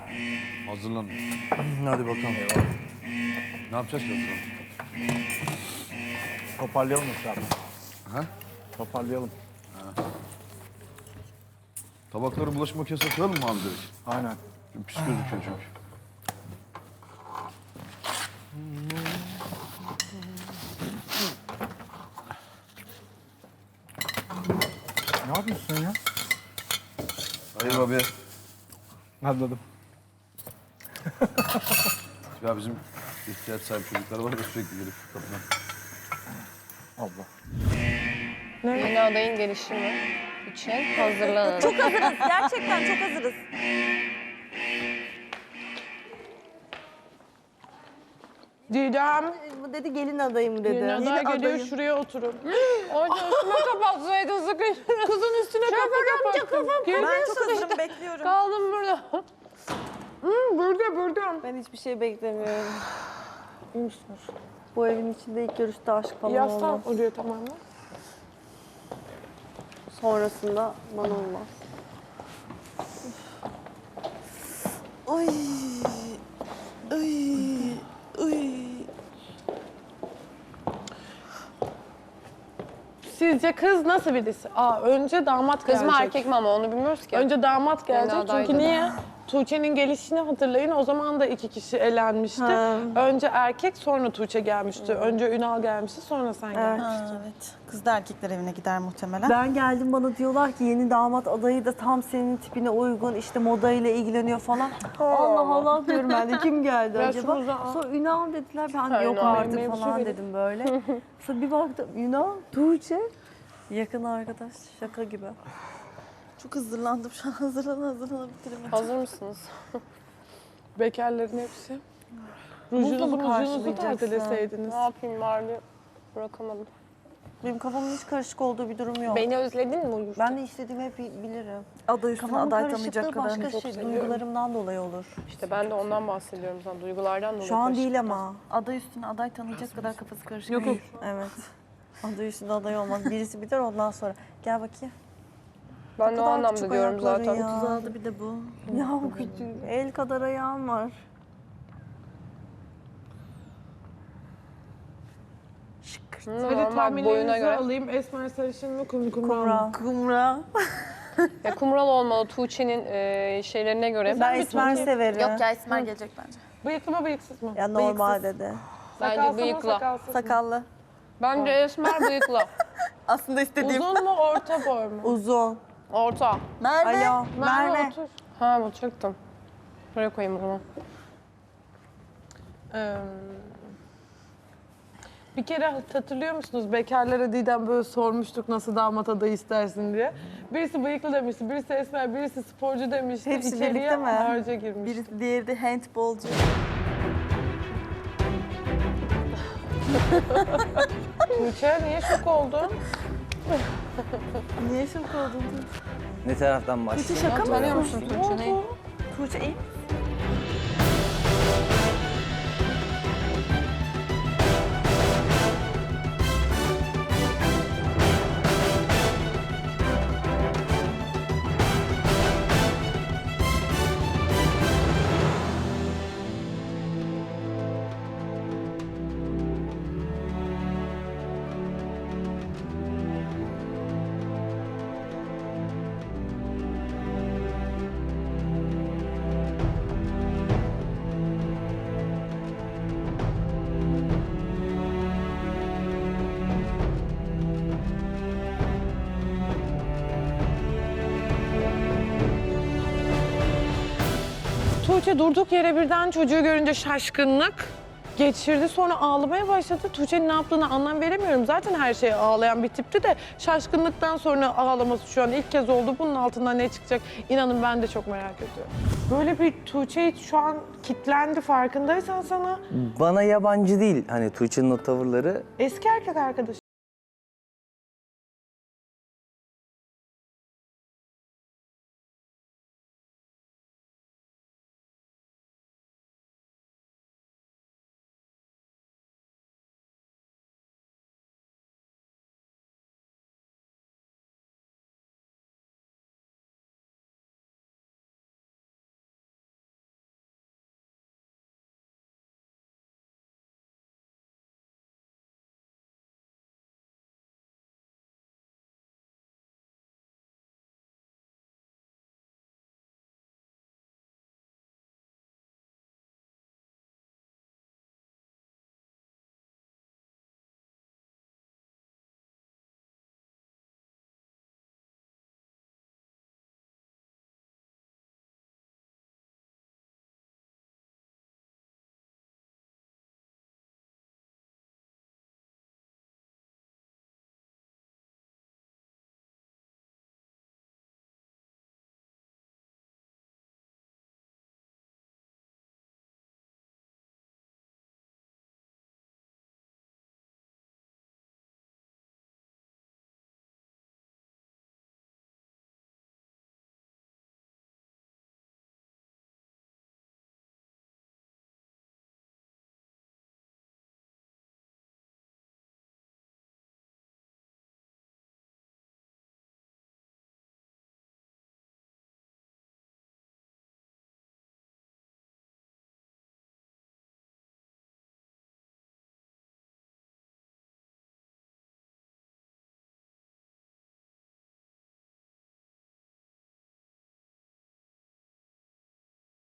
Hazırlan. Hadi bakalım. Ne yapacağız ki hazırlan? Toparlayalım etrafı. Ha? Toparlayalım. Tabakları bulaşık makinesine koyalım mı abi direkt? Aynen. Çünkü pis gözüküyor çünkü. Ne yapıyorsun sen ya? Hayır abi. Anladım. Ya bizim ihtiyaç sahibi çocuklar var da sürekli gelip kapıdan. Allah. Yeni adayın gelişimi için hazırlanın. Çok hazırız. Gerçekten çok hazırız. Didem, Bu dedi gelin adayım dedi. yeni aday geliyor, şuraya oturun. Orada üstüme kapatsaydın sıkıştın. Kızın üstüne kafa kapattım. Ben çok hazırım bekliyorum. Kaldım burada. Burada. Ben hiçbir şey beklemiyorum. Bu evin içinde ilk görüşte aşk falan Yaslan olmaz. oraya tamamen. Sonrasında bana olmaz. Ay. Ay. Ay. Sizce kız nasıl birisi? Önce damat Kız gelecek. mı erkek mi ama onu bilmiyoruz ki. Önce damat gelecek adaydı. çünkü niye? Tuğçe'nin gelişini hatırlayın. O zaman da 2 kişi elenmişti. Ha. Önce erkek, sonra Tuğçe gelmişti. Önce Ünal gelmişti, sonra sen gelmiştin. Evet. Kız da erkekler evine gider muhtemelen. Ben geldim bana diyorlar ki yeni damat adayı da tam senin tipine uygun işte modayla ilgileniyor falan. Allah Allah diyorum ben de kim geldi Ya acaba? şunu da- Sonra Ünal dediler ben Ha, yok Ünal artık benim falan benim. dedim böyle. Sonra bir baktım Ünal, Tuğçe. Yakın arkadaş şaka gibi. Çok hazırlandım şu an. Hazırlana bitiremedim. Hazır mısınız? Bekarların hepsi. Muzla Rujunuzu mı muzunuzu karşılayacaksın? tazeleseydiniz. Ne yapayım bari bırakamadım. Benim kafamın hiç karışık olduğu bir durum yok. Beni özledin mi Uyur? Ben de istediğimi hep bilirim. Aday üstüne Kafamın aday karışıklığı tanıyacak kadar. başka şey duygularımdan dolayı olur. İşte ben de ondan bahsediyorum sana. Duygulardan dolayı. Şu an karışık. değil ama. Aday üstüne aday tanıyacak kadar kafası karışık Yok, değil. Evet. Aday üstünde aday olmaz. Birisi biter ondan sonra. Gel bakayım. Ben de o kadar anlamda küçük diyorum ayakları zaten. ya. 36 bir de bu. Ya bu küçük. El kadar ayağım var. Hı, Hadi normal boyuna tahminlerinizi göre. alayım. Esmer sarışın mı, kumral mı? Kumral. Kumra. Ya kumral olmalı Tuğçe'nin şeylerine göre. Ben esmer severim. Yok ya Esmer gelecek bence. Bıyıklı mı, bıyıksız mı? Ya normal dedi. Bence Sakalsız mı, bıyıkla. sakalsız mı? Sakallı. Bence esmer bıyıkla. Aslında istediğim. Uzun mu, orta boy mu? Uzun. Orta. Merve. Alo. Merve. otur. Ha bu çıktım. Buraya koyayım o zaman. Bir kere hatırlıyor musunuz? Bekarlara Didem böyle sormuştuk nasıl damat adayı istersin diye. Birisi bıyıklı demişti, birisi esmer, birisi sporcu demişti. Hepsi İçeriye birlikte mi? harca girmişti. Birisi diğeri de handbolcu. Tuğçe niye şok oldun? Niye şok oldun? Ne taraftan başlayayım? Tuğçe şaka mı? Tanıyor musun Tuğçe'yi? Tuğçe iyi. Tuğçe durduk yere birden çocuğu görünce şaşkınlık geçirdi. Sonra ağlamaya başladı. Tuğçe'nin ne yaptığını anlam veremiyorum. Zaten her şeye ağlayan bir tipti de şaşkınlıktan sonra ağlaması şu an ilk kez oldu. Bunun altından ne çıkacak? İnanın ben de çok merak ediyorum. Böyle bir Tuğçe şu an kitlendi farkındaysan sana. Bana yabancı değil hani Tuğçe'nin o tavırları. Eski erkek arkadaşı.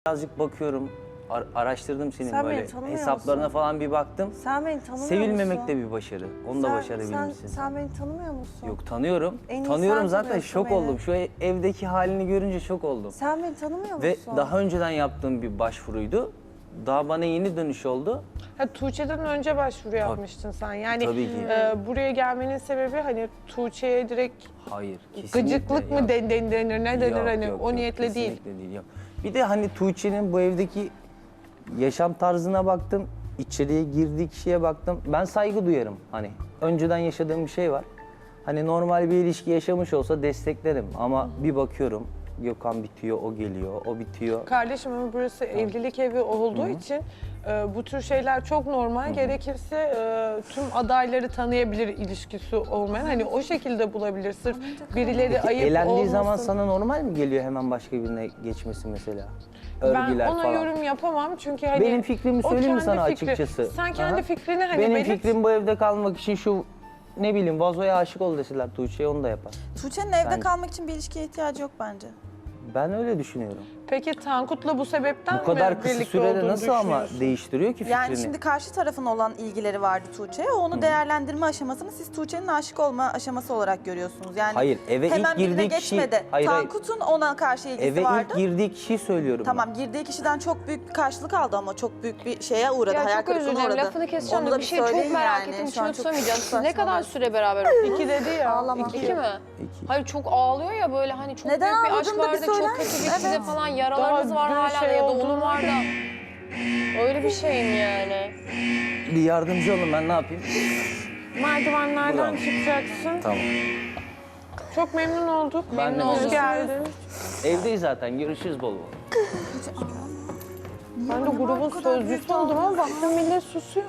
birazcık bakıyorum. Araştırdım senin Sen beni böyle tanımıyor hesaplarına musun? falan bir baktım. Sen beni tanımıyor Sevilmemek musun? de bir başarı. Onu da başarabilmişsin. Sen beni tanımıyor musun? Yok tanıyorum. En iyi Tanıyorum sen zaten tanıyorsun şok beni. oldum. Şu evdeki halini görünce şok oldum. Sen beni tanımıyor Ve musun? daha önceden yaptığım bir başvuruydu. Daha bana yeni dönüş oldu. Ha, Tuğçe'den önce başvuru yapmıştın sen. Yani Tabii ki. buraya gelmenin sebebi hani Tuğçe'ye direkt Hayır, kesinlikle. gıcıklık mı yok. denir, ne denir Yok, hani yok, o yok, niyetle değil. kesinlikle değil. Yok. Bir de hani Tuğçe'nin bu evdeki yaşam tarzına baktım. İçeriye girdiği kişiye baktım. Ben saygı duyarım hani. Önceden yaşadığım bir şey var. Hani normal bir ilişki yaşamış olsa desteklerim. Ama bir bakıyorum Gökhan bitiyor, o geliyor, o bitiyor. Kardeşim ama burası evlilik evi olduğu için bu tür şeyler çok normal. Gerekirse tüm adayları tanıyabilir ilişkisi olmayan. Hani o şekilde bulabilir. Sırf birileri Peki, ayıp elendiği olmasın. zaman sana normal mi geliyor hemen başka birine geçmesi mesela? Ben Örgüler ona falan. yorum yapamam çünkü hani... Benim fikrimi o söyleyeyim mi kendi sana fikri. açıkçası? Sen kendi Aha. fikrini hani Benim belirt. fikrim bu evde kalmak için şu ne bileyim vazoya aşık ol deseler Tuğçe'ye onu da yapar. Tuğçe'nin evde Ben- kalmak için bir ilişkiye ihtiyacı yok bence. Ben öyle düşünüyorum. Peki Tankut'la bu sebepten Bu kadar mi kısa birlikte sürede olduğunu nasıl ama düşünüyorsun? değiştiriyor ki fikrini? Yani şimdi karşı tarafın olan ilgileri vardı Tuğçe'ye. Onu değerlendirme aşamasını siz Tuğçe'nin aşık olma aşaması olarak görüyorsunuz. Yani Hayır, eve hemen ilk birine girdiği kişi- geçmedi. hayır, hayır. Tankut'un ona karşı ilgisi Eve vardı. ilk girdiği kişiyi söylüyorum. Tamam, girdiği kişiden çok büyük bir karşılık aldı ama çok büyük bir şeye uğradı. Ya hayal çok özür kırıklığına dilerim uğradı. lafını keseceğim Onu de da bir şey çok söyleyin merak yani. ettim Şu an içime çok tutamayacağım. Siz ne kadar saçmalarsın. süre beraber oldunuz? 2 dedi ya. Ağlama. 2 mi? İki. Hayır çok ağlıyor ya böyle hani çok Neden büyük bir aşk ağladığını da bir vardı, çok söyler kötü misin? bir size Evet. falan yaralarınız Daha var dün hala şey ya da oldu onun mu? var da. Öyle bir şey mi yani? Bir yardımcı olun ben ne yapayım? Merdivenlerden Bravo. çıkacaksın. Tamam. Çok memnun olduk. Ben de Hoş memnun geldin. Evdeyiz zaten görüşürüz bol bol. Ben de grubun sözcüsü oldum ama baktım millet susuyor.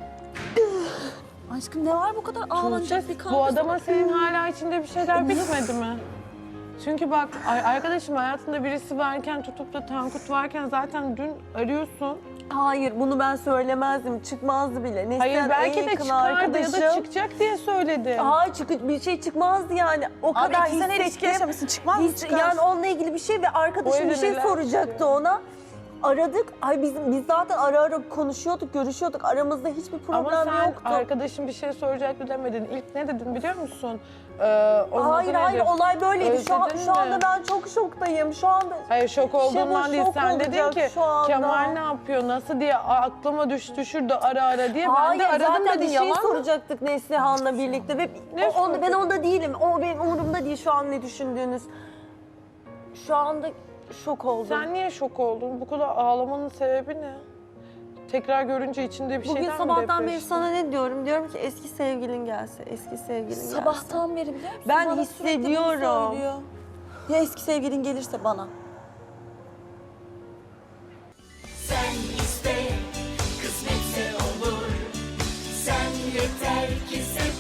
Aşkım ne var bu kadar ağlanacak bir kavga? Bu adama senin hala içinde bir şeyler bitmedi mi? Çünkü bak arkadaşım hayatında birisi varken tutup da Tankut varken zaten dün arıyorsun. Hayır bunu ben söylemezdim. Çıkmazdı bile. Neslihan Hayır en belki de yakın çıkardı ya da çıkacak diye söyledi. Hayır bir şey çıkmazdı yani. O Abi kadar 2 sene ilişki hissettim. yaşamışsın, çıkmaz mı çıkar? Yani onunla ilgili bir şey ve arkadaşım O bir şey evde soracaktı neler ona. Aradık. Ay biz zaten ara ara konuşuyorduk, görüşüyorduk. Aramızda hiçbir problem Ama sen yoktu. arkadaşım bir şey soracaktı demedin. İlk ne dedin biliyor musun? Hayır olay böyleydi. Şu Özledin anda mi? ben çok şoktayım. Şu anda Hayır şok olduğumdan Şenol değil. şok Sen dedin olacak ki şu anda. Kemal ne yapıyor, nasıl diye aklıma düştü şurada ara ara diye. hayır, Ben de aradım zaten dedin bir şey yalan mı? soracaktık Neslihan'la birlikte ve Ne ben onda değilim. O benim umurumda değil şu an ne düşündüğünüz. Şu anda şok oldum. Sen niye şok oldun? Bu kadar ağlamanın sebebi ne? Tekrar görünce içinde bir Bugün şeyden mi sabahtan beri depreştin? sana ne diyorum? Diyorum ki eski sevgilin gelse, eski sevgilin gelse. Sabahtan beri biliyor musun? Ben Bana sürekli bunu hissediyorum. söylüyor. Ya eski sevgilin gelirse bana? Sen iste, kısmetse olur. Sen yeter ki sev.